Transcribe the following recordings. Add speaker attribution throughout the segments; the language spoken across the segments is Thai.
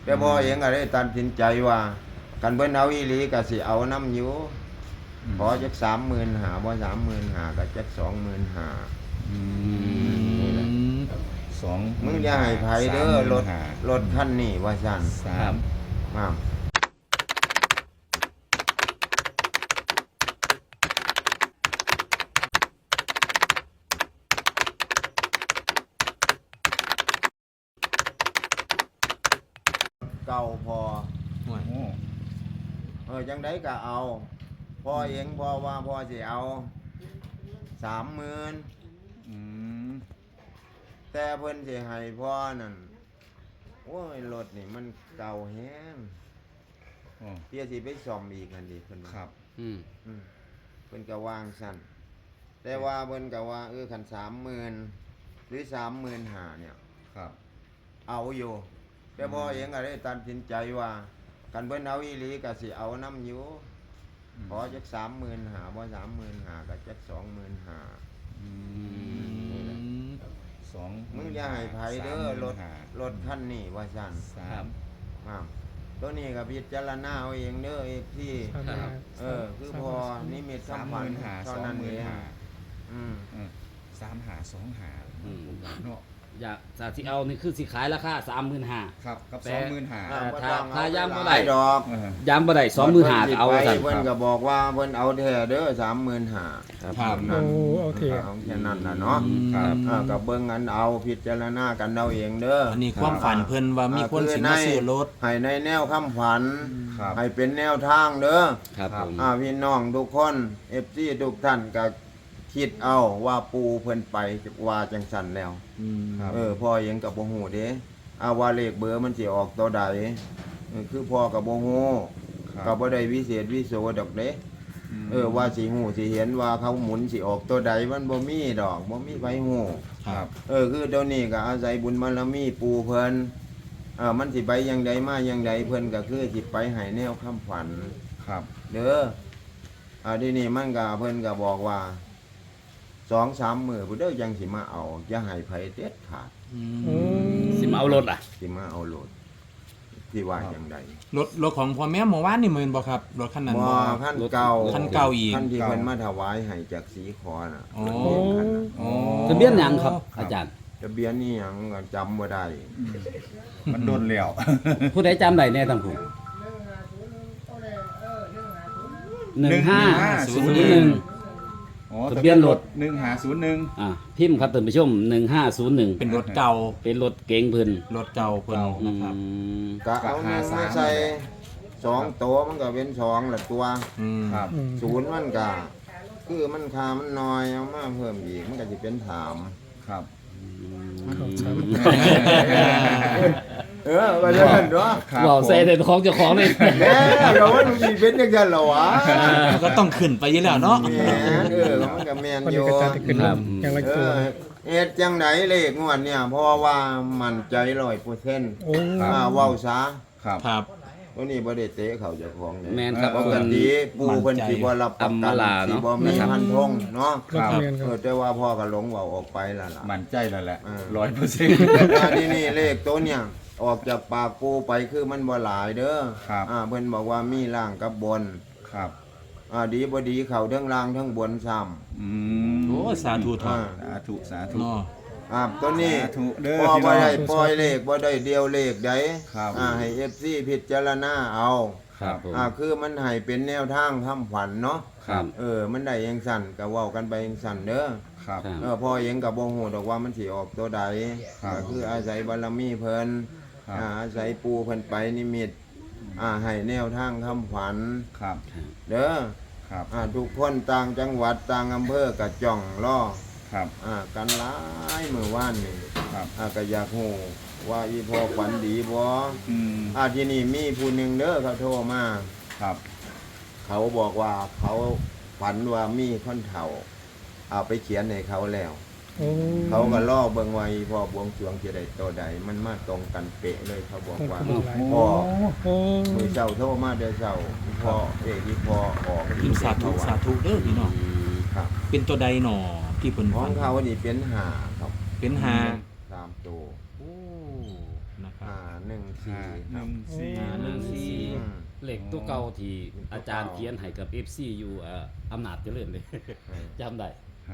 Speaker 1: แต่พอเองก็ได้ตัดสินใจว่ากันเพิ่นเอาอีหลีก็สิเอาน้ำอยู่ขอจัก35,000บ่35,000ก็จัก25,000
Speaker 2: สอง
Speaker 1: มึงอย่าให้ไผเด้อรถคันนี้ว่าซั่น
Speaker 2: 3
Speaker 1: มาเก่าพอ
Speaker 2: โอ้
Speaker 1: จังไดก็เอาพ่อเองพ่อว่าพ่อสิเอา30,000แต่เพิ่นสิให้พ่อนั่นโอ้ยรถนี่มันเก่าแฮงเพี่สิไปซ่อมอีกนั่นดิเพิ่นว่า
Speaker 2: ครับ
Speaker 1: เพิ่นก็วางซั่นแต่ว่าเพิ่นก็ว่าคัน30,000หรือ35,000เนี่ย
Speaker 2: ครับ
Speaker 1: เอาอยู่แต่พ่อเองก็ได้ตัดสินใจว่ากันเพิ่นเอาอีหลีก็สิเอาน้ำอยู่ขอจัก35,000บ่35,000ก็จัก25,000
Speaker 2: สอง
Speaker 1: มึงอย่าให้ไผเด้อรถคันนี้ว่าซั่น
Speaker 2: 3
Speaker 1: ตัวนี้ก็พิจารณาเอาเองเด้อที่คือพอนิมิตสัมพันธ์เท่านั้นเอง
Speaker 2: 35,025เนาะ
Speaker 3: อยากจะที่เอานี่คือสิขายราคา35,000
Speaker 2: ครับกับ
Speaker 3: แต่
Speaker 2: 25,000
Speaker 3: ถ้าย่ำบ่ได้
Speaker 1: ดอก
Speaker 3: ย้ำบ่ได้25,000ก็เอาซั่น
Speaker 1: เพิ่นก็บอกว่าเพิ่นเอาแท้เด้อ35,000
Speaker 2: ครับ
Speaker 1: นั่น
Speaker 4: โอเค
Speaker 1: เอาแค่นั้นน่ะเนาะ
Speaker 2: ครับ
Speaker 1: ก็เบิ่งอันเอาพิจารณากันเอาเองเด้อ
Speaker 5: อันนี้ความฝันเพิ่นว่ามีคนสิมาซื้อรถ
Speaker 1: ให้ในแนวคำฝัน
Speaker 2: ครับ
Speaker 1: ให้เป็นแนวทางเด้อ
Speaker 3: ครับผม
Speaker 1: พี่น้องทุกคน FC ทุกท่านก็คิดเอาว่าปูเพิ่นไปว่าจังซั่นแล้ว
Speaker 2: ครับ
Speaker 1: พ่อยังกับบ่ฮู้เด้ว่าเลขเบอร์มันสิออกตัวใดคือพ่อกับบ่ฮู้
Speaker 2: ครับ
Speaker 1: ก็บ่ได้วิเศษวิโสดอกเด้ว่าสิฮู้สิเห็นว่าเขาหมุนสิออกตัวใดมันบ่มีดอกบ่มีไผฮู้
Speaker 2: ครับ
Speaker 1: คือเดี๋ยวนี้ก็อาศัยบุญบารมีปู่เพิ่นมันสิไปอย่างใดมาอย่างใดเพิ่นก็คือสิไปให้แนวคำฝัน
Speaker 2: ครับ
Speaker 1: เด้อทีนี้มันก็เพิ่นก็บอกว่า2-3 มื้อพุ่นเด้อยังสิมาเอาอย่าให้ไผเด็ดขาด
Speaker 3: สิมาเอารถอ่ะ
Speaker 1: สิมาเอาโหลดที่ว่าอย่างใด
Speaker 5: รถของพ่อแม่เมื่อวานนี่แม่นบ่ครับรถคันนั้น
Speaker 1: บ่
Speaker 5: บ่
Speaker 1: ขั้นเก่า
Speaker 5: คันเก่าอีก
Speaker 1: ขั้นที่เพิ่นมาถวายให้จากสีขอน่ะ
Speaker 5: อ๋อ
Speaker 1: ขั้นน่ะ
Speaker 5: อ๋อ
Speaker 3: ทะเบียนหยังครับ อาจารย์
Speaker 1: ทะเบียนนี่หยังก็จำบ่ได้
Speaker 2: มันโดนแล้ว
Speaker 3: ผู้ใดจำได้แน่ทั้งผู้1501
Speaker 2: อ๋อ
Speaker 3: ทะเบียนรถ
Speaker 2: 1501
Speaker 3: พิมพ์ครับท่านผู้ชม1501
Speaker 5: เป็นรถเก่า
Speaker 3: เป็นรถเก๋งเพิ่น
Speaker 5: รถเก่าเพิ่น
Speaker 3: อื
Speaker 5: นะครับ
Speaker 3: ม
Speaker 1: ก็เอาหนึ่งมาใส่2ตัวมันก็เป็น2ละตัว
Speaker 2: ครับ
Speaker 1: ศูนย์มันก็คือมันค่ามันน้อยเอามาเพิ่มอีกมันก็สิเป็น3
Speaker 2: ครับ
Speaker 1: ว่าจังซั่นเนาะ
Speaker 2: ครับ
Speaker 3: เว้าใส่แต่ของเจ้าของเลย
Speaker 1: แหม่ก็ว่ามันสิเป็นจังซั่นเหรอวะ
Speaker 5: ก็ต้องขึ้นไปอยู่แล้วเนาะ
Speaker 1: แหม่มันก็แม่น
Speaker 4: คน
Speaker 1: อ
Speaker 4: นี้
Speaker 1: ยู่
Speaker 4: ก็จะขึ้นอย่างละตัว
Speaker 1: เฮ็ดจังไดเลขงวดเนี่ยเพราะว่ามั่นใจ100%
Speaker 4: โอ้
Speaker 1: เว้าซะ
Speaker 2: ครับ
Speaker 5: ครับ
Speaker 1: ตัวนี้บ่ได้เตะเขาเจ้าของเลย
Speaker 3: แม่นครับ
Speaker 1: ปก
Speaker 3: เพิ่น
Speaker 1: ติปู่เพิ่นสิบ่รับประ
Speaker 3: อำ
Speaker 1: กั
Speaker 3: มาน ลา
Speaker 1: สิ
Speaker 3: เนาะ
Speaker 1: บ่มีพันธงเนาะ
Speaker 4: ครับเรียนครับ
Speaker 1: แต่ว่าพ่อก็หลงเว้าออกไปแล้วล่ะ
Speaker 2: มั่นใจแล้วแหละ
Speaker 1: อันนี้นี่เลขตัวเนี่ยออกจากปากปู่ไปคือมันบ่หลายเด้อ
Speaker 2: ครับ
Speaker 1: เพิ่นบอกว่ามีล่างกับบน
Speaker 2: ครับ
Speaker 1: ดีบ่ดีเข้าทั้งล่างทั้งบนซ้ำ
Speaker 2: อืม
Speaker 5: โอ้สาธุทอด
Speaker 2: สาธุสาธุ
Speaker 5: เนาะ
Speaker 1: ตัวนี้
Speaker 2: สาธุเด้อ
Speaker 1: พ่อ
Speaker 2: พี่น้
Speaker 1: บ่
Speaker 2: อง
Speaker 1: ได้ปล่อยเลขบ่ได้เดียวเลขใด
Speaker 2: ครับ
Speaker 1: ให้ FC พิจารณาเอา
Speaker 2: ครับ
Speaker 3: ผม
Speaker 1: คือมันให้เป็นแนวทางคำขวัญเนาะ
Speaker 2: ครับ
Speaker 1: มันได้ยังสั่นก็เว้ากันไปยังสั่นเด้อ
Speaker 2: ครับ
Speaker 3: ครับ
Speaker 1: พ่อเองก็บ่ฮู้ดอกว่ามันสิออกตัวใด
Speaker 2: ครับ
Speaker 1: ก็คืออาศัยบารมีเพิ่น
Speaker 2: ครับ
Speaker 1: อาศัยปู่เพิ่นไปนิมิตให้แนวทางคำขวัญ
Speaker 2: ครับ
Speaker 1: เด้อ
Speaker 2: ครับ
Speaker 1: ทุกคนต่างจังหวัดต่างอำเภอก็จ้องรอ
Speaker 2: ครับ
Speaker 1: กันหลายมื้อวานนี่
Speaker 2: ครับ
Speaker 1: ก็อยากฮู้ว่าอีพ่อฝันดีบ่
Speaker 2: อืม
Speaker 1: ที่นี่มีผู้หนึงเด้อเขาโทรมา
Speaker 2: ครับ
Speaker 1: เขาบอกว่าเขาฝันว่ามีคนเฒ่าเอาไปเขียนให้เขาแล้ว
Speaker 4: โอ้
Speaker 1: เขาก็ล่อเบิ่งไว้พอบวงสรวงจะได้ตัวใดมันมาตรงกันเป๊ะเลยเขาบอกว่า พ่อ
Speaker 4: โอ้
Speaker 1: มือเจ้าโทรมาเด้อเจ้าพ่อที่พ่อออก
Speaker 5: พิมพ์สาธุสาธุเด้อพี่น้อง
Speaker 1: ครับ
Speaker 5: เป็นตัวใดหนอที่เพิ่น
Speaker 1: ขอ
Speaker 5: ฝั
Speaker 1: ง
Speaker 5: น
Speaker 1: เขานี่เป็นหาครับ
Speaker 5: เป็นหา
Speaker 1: 3ตัว
Speaker 5: โอ้นะครับ
Speaker 1: 514ครับ
Speaker 3: 514
Speaker 1: อืม
Speaker 3: เลขตัวเก่าที่อาจารย์เขียนให้กับ FC อยู่อำนาจเจริญเลย จำได้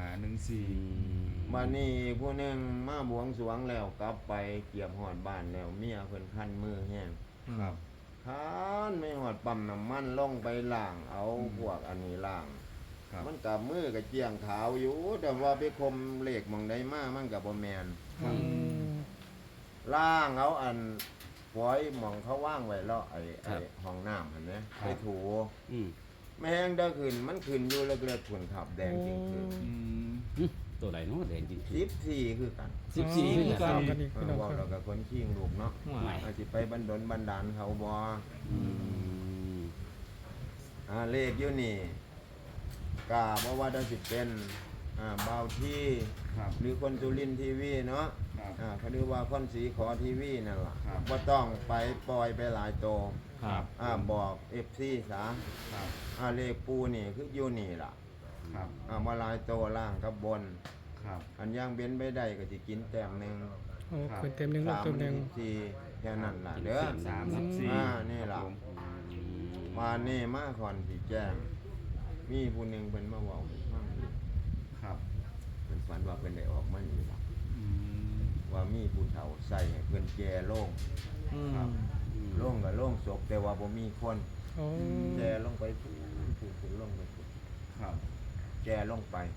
Speaker 1: มานี่ผู้หนึงมาบวงสรวงแล้วกลับไปเกียบหอดบ้านแล้วเมียเพิ่นคันมือแห้ง
Speaker 2: ครับ
Speaker 1: คันไม่หอดปั๊มน้ำมันลงไปล้างเอาพวกอันนี้ล้าง
Speaker 2: ครับ
Speaker 1: มันกับมือกับเจียงขาวอยู่ แต่ว่าไปคมเหล็กหมองได้มามันกับบ่แมน
Speaker 4: อืม
Speaker 1: ล่างเอาอันฝอยหมองเขาว่างไว้แล้วไอ้
Speaker 3: ครับ
Speaker 1: ห้องน้ำเห็นไหมไปถู
Speaker 3: อืม
Speaker 1: ไม่แห้งได้ขึ้นมันขึ้นอยู่เล็กๆขุนขับแดงจริงคือ
Speaker 3: ตัวไหนเนาะแดงจริง
Speaker 1: 14คือกัน
Speaker 3: 14คือ
Speaker 4: ตา
Speaker 3: กั
Speaker 4: ม
Speaker 3: น
Speaker 4: กันอีกพี่น้อง
Speaker 1: ว่า
Speaker 4: ครั
Speaker 1: เรา
Speaker 4: บ
Speaker 1: กับคนขี้งลูกเนาะ
Speaker 3: ไม่
Speaker 1: อาจจะไปบันดลบันดาลเขาบ่
Speaker 3: อืม
Speaker 1: เลขอยู่นี่กาบ่ว่าจะสิเป็นเบาที่
Speaker 2: ครับ
Speaker 1: หรือคนสุรินทร์ทีวีเนาะ
Speaker 2: ครับ
Speaker 1: เขาเรียกว่าคนสีขอทีวีนั่นล่ะ
Speaker 2: ครับ
Speaker 1: ว่าต้องไปปล่อยไปหลายโต
Speaker 5: ครับ
Speaker 1: บอกFC ซะ
Speaker 2: ครับ
Speaker 1: เลขปูนี่คืออยู่นี่ล่ะ
Speaker 2: ครับ
Speaker 1: มาหลายโตล่างกับบน
Speaker 2: ครับ
Speaker 1: อันย่างเบ้นไปได้ก็สิกินแต้มหนึง
Speaker 4: โอ้เกินเต็มหนึ่งลูกเต็มหนึ่ง
Speaker 1: 3 แค่นั้นล่ะเด้อ
Speaker 2: 34
Speaker 1: นี่ล่ะ
Speaker 2: ครับผม
Speaker 1: มานี่มาคอนสิแจ้งมีผู้หนึงเพิ่นมาเว้าให้ฟังอยู่
Speaker 2: ครับ
Speaker 1: เพิ่นฝันว่าเพิ่นได้ออกมานี่ล่ะ
Speaker 2: อืม
Speaker 1: ว่ามีผู้เฒ่าใส่ให้เพิ่นแก่โล่ง
Speaker 2: ครับ
Speaker 1: โล่งกับโล่งศพแต่ว่าบ่มีคน
Speaker 4: โอ้
Speaker 1: แก่ลงไปผู้ลงไปผู้
Speaker 2: ครับ
Speaker 1: แก่ลงไป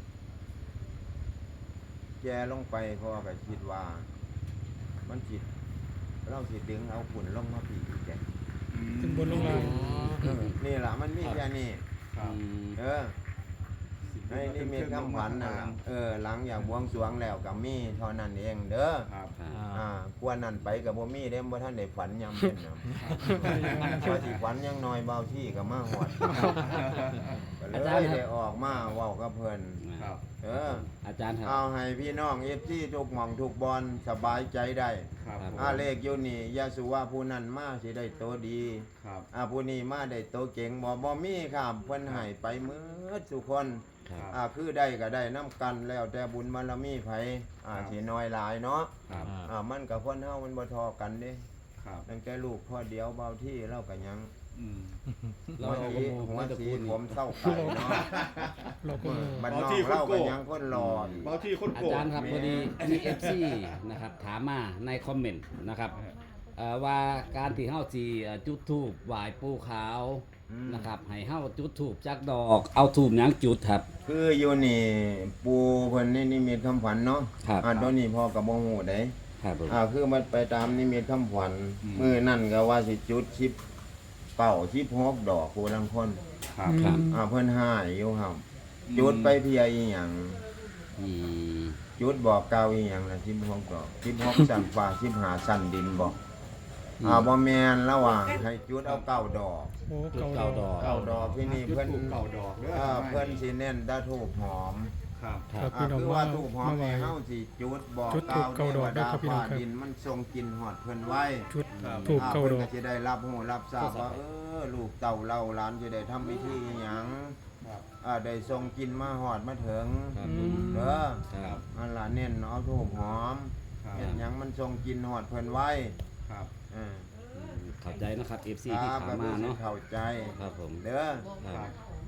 Speaker 1: แก่ลงไปเพราะว่าก็คิดว่า มันสิเราสิดึงเอาฝุ่นลงมาปีอีกแก
Speaker 4: ขึ้นบนลงล่าง
Speaker 1: นี่ล่ะมันมีแค่นี้
Speaker 2: ครับ
Speaker 1: ในนี่มีคำขวัญน่ะล่ะหลังอย่างบวงสรวงแล้วก็มีเท่านั้นเองเด้อ
Speaker 2: ครับ
Speaker 1: กวนนั่นไปกับบ่มีเด้บ่ท่านได้ฝันยามเป็นน่ะว่าสิฝันยังน้อยเบาที่ก็มาฮอดก็เลยได้ออกมาเว้ากับเพิ่น
Speaker 2: ครับ
Speaker 3: อาจารย์ครับ
Speaker 1: เอาให้พี่น้อง FC ทุกหม่องทุกบอนสบายใจได้
Speaker 2: ครับผม
Speaker 1: เลขอยู่นี่อย่าสุว่าผู้นั้นมาสิได้โตดี
Speaker 2: ครับ
Speaker 1: ผู้นี้มาได้โตเก่งบ่มีครับเพิ่นให้ไปหมืดทุกคน
Speaker 3: ครับ
Speaker 1: คือได้ก็ได้น้ำกันแล้วแต่บุญบารมีไผสิน้อยหลายเนาะ
Speaker 2: ครับ
Speaker 1: มันกับคนเฮามันบ่ทอกันเด้
Speaker 2: ครับ
Speaker 1: ตั้งแต่ลูกพ่อเดียวเบาที่เราก็ยัง
Speaker 2: อืม
Speaker 3: เรา
Speaker 1: หัว
Speaker 3: เอา
Speaker 1: สี
Speaker 3: กระ
Speaker 1: ผมเศร้าไก่เนาะ
Speaker 4: โลโก้
Speaker 1: บ้านนอกเราก็ยังคนรออีก
Speaker 2: เบาที่คน
Speaker 3: อา
Speaker 2: โกรธ
Speaker 3: จารย์ครับพอดีมี FC นะครับถามมาในคอมเมนต์นะครับว่าการที่เฮาสิจุดธูปไหว้ปู่ขาวนะครับให้เฮาจุดธูปจักดอกเอาธูปหยังจุดครับ
Speaker 1: คืออยู่นี่ปูเพิ่นนี่นิมิตคำขวัญเนาะ
Speaker 3: ครับ
Speaker 1: ตัวนี้พ่อก็บ่ฮู้ได้
Speaker 3: ครับผม
Speaker 1: คือมันไปตามนิมิตคำขวัญมื้อนั่นก็ว่าสิจุด10เป่า16ดอกผู้ลังคน
Speaker 2: ครับ
Speaker 3: ครับ
Speaker 1: เพิ่นหายอยู่ครับจุดไปเพียอีหยัง
Speaker 3: อืม
Speaker 1: จุดบอกเก่าอีหยังล่ะ16ดอก16สั่นฟ้า15สั่นดินบอกบ่แม่นระหว่างให้จุดเอา9ดอก
Speaker 4: โอ้
Speaker 3: จุด
Speaker 4: เก่า
Speaker 3: เก้า
Speaker 4: ดอก
Speaker 3: ดอก
Speaker 1: เก้าดอกที่นี่เพิ่น
Speaker 2: เก่าดอกเด้อ
Speaker 1: เพิ่นสิเน้นแตะทูบหอม
Speaker 2: ครับ
Speaker 4: ครับพี่น้อง
Speaker 1: คือ
Speaker 4: มา
Speaker 1: ว่าทูบหอม
Speaker 4: มาไหว้
Speaker 1: นี่เฮาสิจุดบอก
Speaker 4: จุดธูปเก้าดอกได้ครับพี่น้องครับ
Speaker 1: ดินมันทรงกินหอดเพิ่นไว้
Speaker 4: ชุดถูกเก่าดอก
Speaker 1: พิ่นก็สิได้รับรู้รับทราบว่าลูกเต่าเราหลานสิได้ทำพิธีอิหยัง
Speaker 2: ครับ
Speaker 1: ได้ทรงกินมาหอดมาถึง
Speaker 3: ครับ
Speaker 4: อืม
Speaker 1: เด้อ
Speaker 3: ครับ
Speaker 1: อันล่ะเน้นเอาทูบหอม
Speaker 2: ครับ
Speaker 1: เฮ็ดหยังมันทรงกินหอดเพิ่นไว้
Speaker 2: ครับ
Speaker 1: เออ
Speaker 3: เข้าใจนะครับ FC
Speaker 1: ค
Speaker 3: ที่
Speaker 1: รับ
Speaker 3: ถามมาเนาะ
Speaker 1: เข้าใจ
Speaker 3: ครับผม
Speaker 1: เด้อ
Speaker 3: ครับ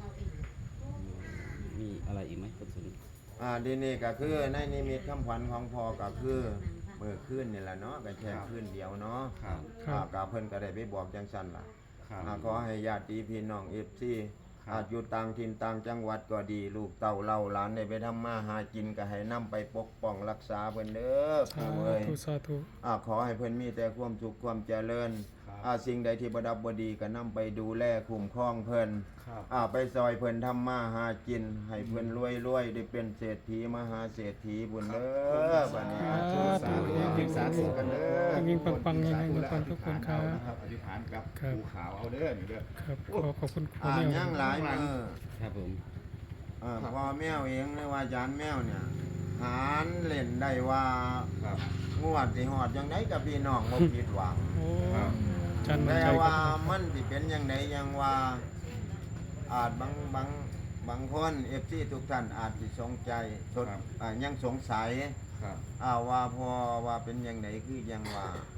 Speaker 3: มีอะไรอีกไหมคุณสุน
Speaker 1: ดีนี่ก็คือในนิมิตคำขวัญของพ่อก็คือมื้อคืนนี่แหละเนาะก็แค่คืนเดียวเนาะ
Speaker 2: ครับ
Speaker 4: ครับ
Speaker 1: ก็เพิ่นก็ได้ไปบอกจังซั่นล่ะ
Speaker 2: ครับ
Speaker 1: ขอให้ญาติพี่น้อง FC
Speaker 2: ครับ
Speaker 1: อยู่ต่างถิ่นต่างจังหวัดก็ดี ลูกเต้าเล่าหลานได้ไปทำมาหากินก็ให้นำไปปกป้องรักษาเพิ่นเด้อ
Speaker 4: สา
Speaker 1: ปู่เอ้ย
Speaker 4: ธุสาธุ
Speaker 1: ขอให้เพิ่นมีแต่ความสุขความเจริญ
Speaker 2: ครับ
Speaker 1: สิ่งใดที่บ่ดับบ่ดีก็นำไปดูแลคุ้มครองเพิ่น
Speaker 2: ครับ
Speaker 1: ไปซอยเพิ่นทำมาหากิน ให้เพิ่นรวยๆได้เป็นเศรษฐีมหาเศรษฐีบุญเด้อบัดนี้
Speaker 4: สาธุ
Speaker 2: สาธุกันเด้อ
Speaker 4: ยิ่งปังๆยิ่งปังๆทุกคนครับ
Speaker 2: อธิษฐานกับ
Speaker 4: ครับ
Speaker 2: ภูเขาเอาเด้อนี่เด้อ
Speaker 4: ครับขอบคุณพ่อแม่
Speaker 1: ยังหลายมือ
Speaker 3: ครับผม
Speaker 1: พ่อแมวเองเลยว่าอาจารย์แมวเนี่ยหารเล่นได้ว่า
Speaker 2: ครับ
Speaker 1: งวดสิฮอดจังไดกับพี่น้องบ่ผิดหวัง
Speaker 4: โอ้จันทร์มัน
Speaker 1: แต่
Speaker 4: ใจค
Speaker 1: ว่า
Speaker 4: รับ
Speaker 1: มันสิเป็นยังไงยังว่าอาจบางคน FC ทุกท่านอาจสิสงใจสด
Speaker 2: ครับ
Speaker 1: ยังสงสัย
Speaker 2: ครับ
Speaker 1: ว่าพอว่าเป็นยังไงคือยังว่า คื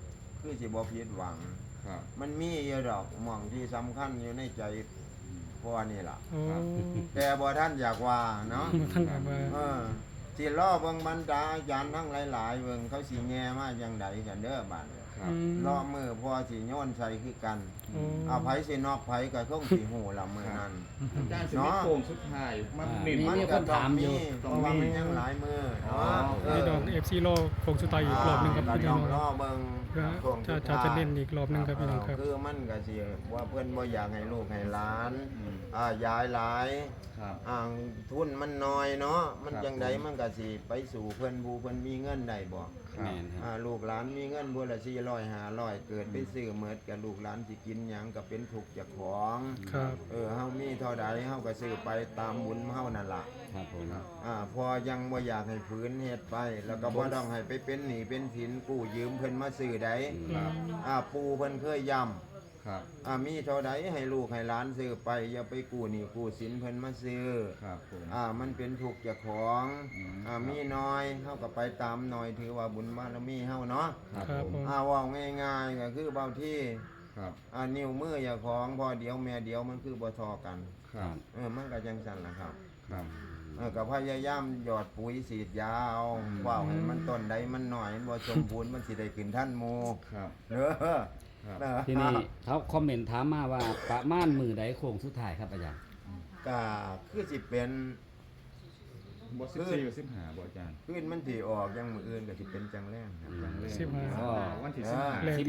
Speaker 1: คือสิบ่ผิดหวัง
Speaker 2: ครับ
Speaker 1: มันมีอยู่ดอกหม่องที่สำคัญอยู่ในใจพ่อนี่ล่ะ
Speaker 4: โอ้
Speaker 1: แต่บ่ท่านอยากว่าเนาะ
Speaker 4: ท่านบอกว่า
Speaker 1: สิล้อเบิ่งบรรดาอาจารย์ทั้งหลายๆเบิ่งเขาสิแง่มาจังใดกันเด้อบัด
Speaker 2: ครับ
Speaker 1: ล้อมือพ่อสิโยนใส่คือกัน
Speaker 4: โอ้
Speaker 1: เอาไผสินอกไผก็คงสิฮู้ละมื้อนั้น
Speaker 2: อาจารย์สิมีโค้งสุดท้ายมาเน้น
Speaker 3: มีคนถามอยู่
Speaker 1: เพราะว่ามันยังหลายมื้อเนาะ
Speaker 4: นี่ดอก FC โลโคงสุดท้ายอีกรอบหนึงครับ
Speaker 1: ก็
Speaker 4: พี่
Speaker 1: ต้
Speaker 4: น้
Speaker 1: อ
Speaker 4: อง ง
Speaker 1: รอเบิ่ง
Speaker 4: เพื่อ
Speaker 1: ช่วงสุดท้าย
Speaker 4: จะเน้นอีกรอบหนึงครับพี่น้องครับ
Speaker 1: คือมันก็สิว่าเพิ่นบ่อยากให้ลูกให้หลาน
Speaker 2: อืม
Speaker 1: ยายหลาย
Speaker 2: ครับ
Speaker 1: ทุนมันน้อยเนาะมัน
Speaker 2: ครับ
Speaker 1: จังไดมันก็สิไปสู่เพิ่นผู้เพิ่นมีเงินได้บ่
Speaker 2: ครับ
Speaker 3: แม่นครับ
Speaker 1: ลูกหลานมีเงินบัวละ400 500เกิดไปซื้อเมิดกับลูกหลานสิกินหยังก็เป็นทุกข์เจ้าของ
Speaker 4: ครับ
Speaker 1: เฮามีเท่าใดเฮาก็ซื้อไปตามบุญเฮานั่นล่ะ
Speaker 3: ครับผม
Speaker 1: พอยังบ่อยากให้ฝืนเฮ็ดไป แล้วก็บ่ต้องให้ไปเป็นหนี้เป็นสินกู้ยืมเพิ่นมาซื้อใด
Speaker 2: ครับ
Speaker 1: ปู่เพิ่นเคยย้ำ
Speaker 2: ครับ
Speaker 1: มีเท่าใดให้ลูกให้หลานซื้อไปอย่าไปกู้หนี้กู้สินเพิ่นมาซื้อ
Speaker 2: ครับผม
Speaker 1: มันเป็นทุกข์เจ้าของ มีน้อยเฮาก็ไปตามน้อยถือว่าบุญบารมีเฮาเนาะ
Speaker 2: ครับ
Speaker 4: ครับ
Speaker 2: ผม
Speaker 4: ผม
Speaker 1: เว้าง่ายๆก็คือเบาที่
Speaker 2: ครับ
Speaker 1: นิ้วมือเจ้าของพอเดียวแม่เดียวมันคือบ่ทอกัน
Speaker 2: ครับ
Speaker 1: มันก็จังซั่นล่ะครับ
Speaker 2: ครับ
Speaker 1: ก็พยายามหยอดปุ๋ยฉีดยาเอาว่าวให้มันต้นใดมันหน่อยมันบ่สมบูรณ์มันสิได้ขึ้นทันหมู่
Speaker 2: ครับ
Speaker 1: เด้อ
Speaker 2: ครับ
Speaker 3: ทีนี้เขาคอมเมนต์ถามมาว่าประมาณมือใดโค้งสุดท้ายครับอาจารย์
Speaker 1: ก็คือสิเป็น
Speaker 2: บ่14หรือ15บ่อาจารย์
Speaker 1: ขึ้นมันสิออกยังมื้ออื่นก็สิเป็นจังแรงครับจังแรง
Speaker 4: 15
Speaker 3: อ๋อ
Speaker 2: วันที่
Speaker 4: แร
Speaker 2: 15
Speaker 4: งที่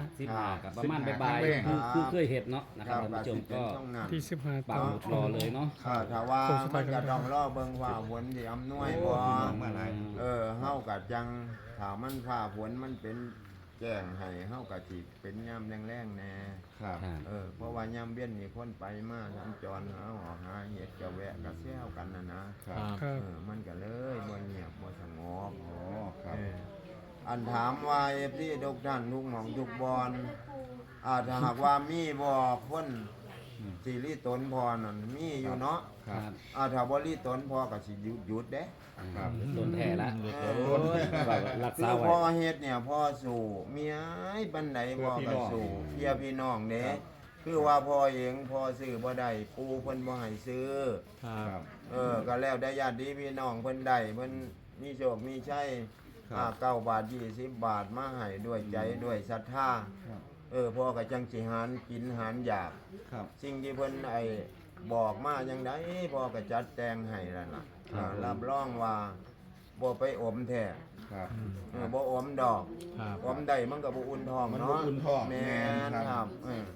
Speaker 3: 15กับประมาณบ่าย
Speaker 2: 15
Speaker 3: ๆคือเคยเห็นเนาะนะครับท่านผู้ชมก็
Speaker 4: ที่15
Speaker 3: ปักหมุดรอเลยเนาะ
Speaker 1: ถ้าว่ามันก็ต้องรอเบิ่งว่าฝนสิอำนวยบ่
Speaker 2: พี่น้องมาหลาย
Speaker 1: เฮาก็จังถ้ามันฟ้าฝนมันเป็นแจ้งให้เฮาก็สิเป็นยามแรงๆแน่
Speaker 2: ครับ
Speaker 3: ครับ
Speaker 1: เพราะว่ายามเวียนมีคนไปมาสัญจรหาออกหาเห็ดก็แวะก็แซวกันนะครับ
Speaker 4: ครับ
Speaker 1: มันก็เลยบ่เงียบบ่สงบ
Speaker 2: อ๋อครับ
Speaker 1: อันถามว่าที่ทุกท่านทุกหม่องทุกบอนถ้าหากว่ามีบ่คนสิริตนพอนั่นมีอยู่เนาะ
Speaker 2: ครับ
Speaker 1: ถ้าบ่ริตนพอก็สิหยุดเด้
Speaker 2: ครับ
Speaker 3: โดนแท้ละ
Speaker 1: เออ
Speaker 3: โอ้ยแบบรัก
Speaker 1: คื
Speaker 3: ษา
Speaker 1: อ
Speaker 3: ไว้
Speaker 1: พ่อเฮ็ดเนี่ยพ่อสู่เมียบันไดพ่อก็สู่เพียพี่น้องเด้คือว่าพ่อเองพ่อซื้อบ่ได้ปู่เพิ่นบ่ให้ซื้อ
Speaker 2: ครับ
Speaker 1: ก็แล้วได้ญาติพี่น้องเพิ่นได้เพิ่นมีโชคมีชัย
Speaker 2: ครับ
Speaker 1: 9 บาท 20 บาทมาให้ด้วยใจด้วยศรัทธา
Speaker 2: ครับ
Speaker 1: พ่อก็จังสิหารกินหารอยาก
Speaker 2: ครับ
Speaker 1: สิ่งที่เพิ่นบอกมาจังไดพ่อก็จัดแต่งให้แล้วล่ะรับรองว่าบ่ไปอมแท้
Speaker 2: ครับ
Speaker 1: บ่อมดอก
Speaker 5: ครับ
Speaker 1: อมได้มันก็บ่อุ่นท้อง
Speaker 2: มัน
Speaker 1: เนาะ
Speaker 2: บ่อุ่นท้อง
Speaker 1: แม่น
Speaker 2: แม่น
Speaker 1: ค
Speaker 2: ครั
Speaker 1: รับบ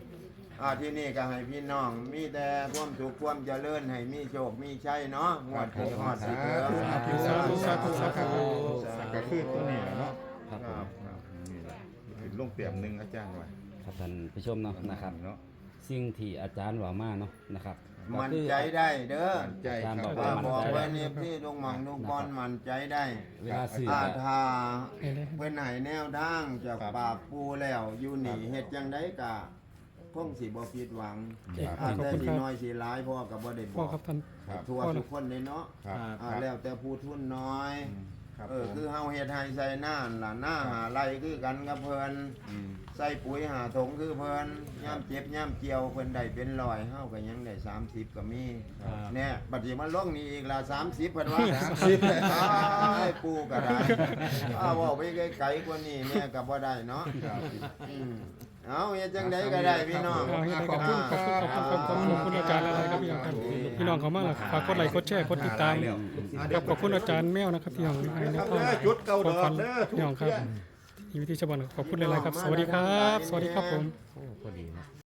Speaker 1: ที่นี่ก็ให้พี่น้องมีแต่ความสุขความเจริญให้มีโชคมีชัยเนาะงวดที่ฮอดสิเกิด
Speaker 4: สาธุสาธุสาธุสาธุ
Speaker 2: ก็คือตัวนี้แหละเนาะ
Speaker 3: ครับผม
Speaker 2: ครับนี่แหละเป็นลงเตรียมหนึงอาจารย์ไว้
Speaker 3: ครับท่านผู้ชมเนาะนะครับ
Speaker 2: เนาะ
Speaker 3: สิ่งที่อาจารย์ว่ามาเนาะนะครับก็
Speaker 1: มั่น
Speaker 3: คือ
Speaker 1: ใจได้เด้อ
Speaker 2: มั่นใจ
Speaker 3: อาจารย์
Speaker 2: ครับ
Speaker 3: บอก
Speaker 1: ว่า
Speaker 3: ว่า
Speaker 1: บอกไว้นี่ที่ลุงหม่องลุงบอลมั่นใจได้
Speaker 3: เวลาซื้อ
Speaker 1: ถ้า
Speaker 4: เห็นเลย
Speaker 1: เพิ่นให้แนวทางจากปากปูแล้วอยู่นี่เฮ็ดจังไดก็คงสิบ่ผิดหวัง
Speaker 4: ขอบ
Speaker 1: แต่
Speaker 4: คุณ
Speaker 1: สิ
Speaker 4: ครับ
Speaker 1: น้อยสิหลายพ่อก็บ่ได้บ
Speaker 4: พ่อ
Speaker 1: อก
Speaker 4: ครับท่าน
Speaker 2: ครับ
Speaker 1: ทั่วทุกคนเลยเนาะ
Speaker 2: ครับ
Speaker 1: แล้วแต่ผู้ทุนน้อย
Speaker 2: ครับ
Speaker 1: คือเฮาเฮ็ดให้ใส่หน้าล่ะหน้าหาไรคือกันกับเพิ่น
Speaker 2: ม
Speaker 1: ใส่ปุ๋ยหาถุงคือเพิ่นย่ามเจ็บย่ามเกี่ยวเพิ่นได้เป็นร้อยเฮาก็ยังได้30ก็มี
Speaker 5: ครับ
Speaker 1: แน่บัดนี้มันลงนี่อีกละ30เพิ่นว่า
Speaker 2: 30
Speaker 1: ไอ้ปูก็ได้เว้าไปไกลๆกว่านี้แม่ก็บ่ได้เนาะ
Speaker 2: ครับ
Speaker 1: อืมเอาเฮ็ดจังไดก็ได้พี่น้อง
Speaker 4: เอาให้ได้ขอบคุณอาจารย์อะไรครับพี่น้องครับพี่น้องเขามากเลยฝากกดไลค์กดแชร์กดติดตามครับขอบคุณอาจารย์แมวนะครับพี่น้องให้ในทาง
Speaker 2: จุดเก่าด
Speaker 4: ข
Speaker 2: อ
Speaker 4: อบคุ
Speaker 2: ก
Speaker 4: ณ
Speaker 2: เด้อ
Speaker 4: พี่น้องครับที่วิธีชาวบ้านขอบคุณหลายๆครับ สวัสดีครับ สวัสดีครับผม
Speaker 3: โอ้พอดีนะ